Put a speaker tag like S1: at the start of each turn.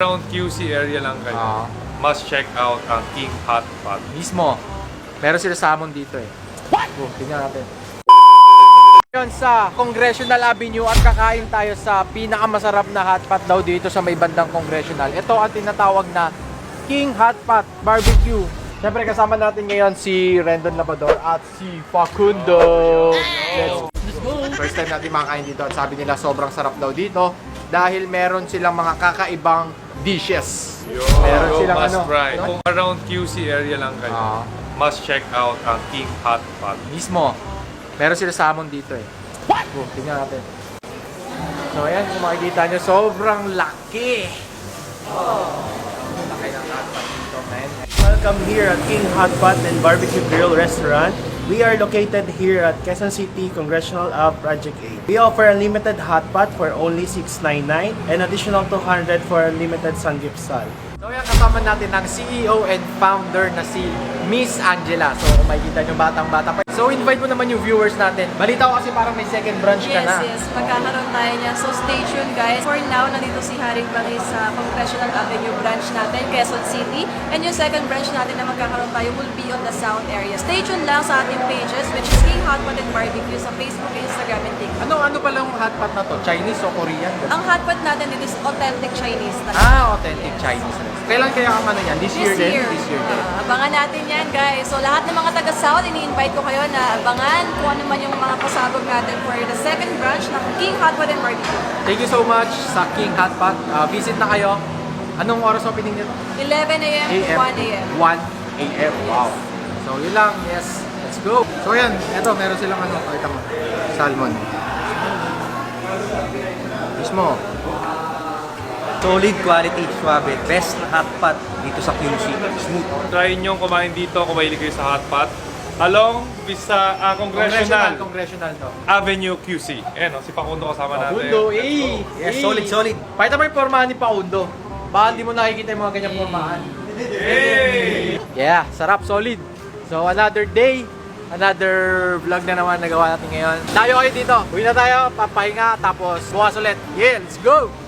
S1: around QC area lang kayo, must check out ang King Hot Pot.
S2: Mismo. Meron sila salmon dito eh. Oh, tingnan natin. Ngayon sa Congressional Avenue at kakain tayo sa pinakamasarap na hotpot daw dito sa may bandang Congressional. Ito ang tinatawag na King Hotpot Barbecue. Siyempre kasama natin ngayon si Rendon Labrador at si Facundo. Let's go! First time natin makakain dito at sabi nila sobrang sarap daw dito dahil meron silang mga kakaibang dishes. Meron silang
S1: must
S2: ano?
S1: try. Kung around QC area lang kayo, must check out ang King Hot Pot.
S2: Mismo. Meron sila salmon dito eh. Oh, tingnan natin. So ayan, kung makikita nyo, sobrang laki. Laki ng hotpot dito, man.
S3: Welcome here at King Hotpot and Barbecue Grill Restaurant. We are located here at Quezon City Congressional Ave Project 8. We offer unlimited hotpot for only $6.99 and additional $200 for unlimited samgyeopsal.
S2: So yan, kasama natin ang CEO and founder na si Miss Angela. So kung makikita nyo, batang-bata pa. So invite mo naman yung viewers natin. Balita ko kasi parang may second branch ka na.
S4: Yes, magkakaroon tayo niya. So stay tuned guys. For now, nandito si Haring Bangis sa Congressional Avenue branch natin, Quezon City. And yung second branch natin na magkakaroon tayo will be on the South area. Stay tuned lang sa ating pages, which is King Hotpot and Barbecue sa Facebook, Instagram, and TikTok.
S2: Ano pala yung hotpot na to? Chinese o Korean?
S4: Ang hotpot natin dito is authentic Chinese talaga.
S2: Authentic Chinese. Kailan kaya ang ano yan? This year din? This year din.
S4: Abangan natin yan guys. So lahat ng mga taga-South, ini-invite ko kayo na abangan kung ano man yung mga pasabog natin for the second branch ng King Hotpot and Barbecue.
S2: Thank you so much sa King Hotpot. Visit na kayo. Anong oras opening nito?
S4: 11 a.m. to 1 a.m.
S2: 1 a.m. Wow. So yun lang. Yes. Let's go. So yan. Ito, meron silang ano. Pakita mo. Salmon. Mismo.
S5: Solid quality, suabe. Best na hotpot dito sa QC. Smooth.
S1: Try nyo kumain dito kung mahilig kayo sa hot pot. Along sa Congressional
S2: Congressional to.
S1: Avenue QC. Ayan, si Facundo kasama natin.
S2: Paundo. Eh.
S5: Yes, solid.
S2: Pakita mo yung pormahan ni Paundo. Baka hindi mo nakikita yung mga ganyang pormahan.
S1: Yay!
S2: Yeah, sarap, solid. So another day, another vlog na naman nagawa natin ngayon. Tayo kayo dito. Uwi na tayo, papahinga, tapos bukas ulit. Yeah, let's go!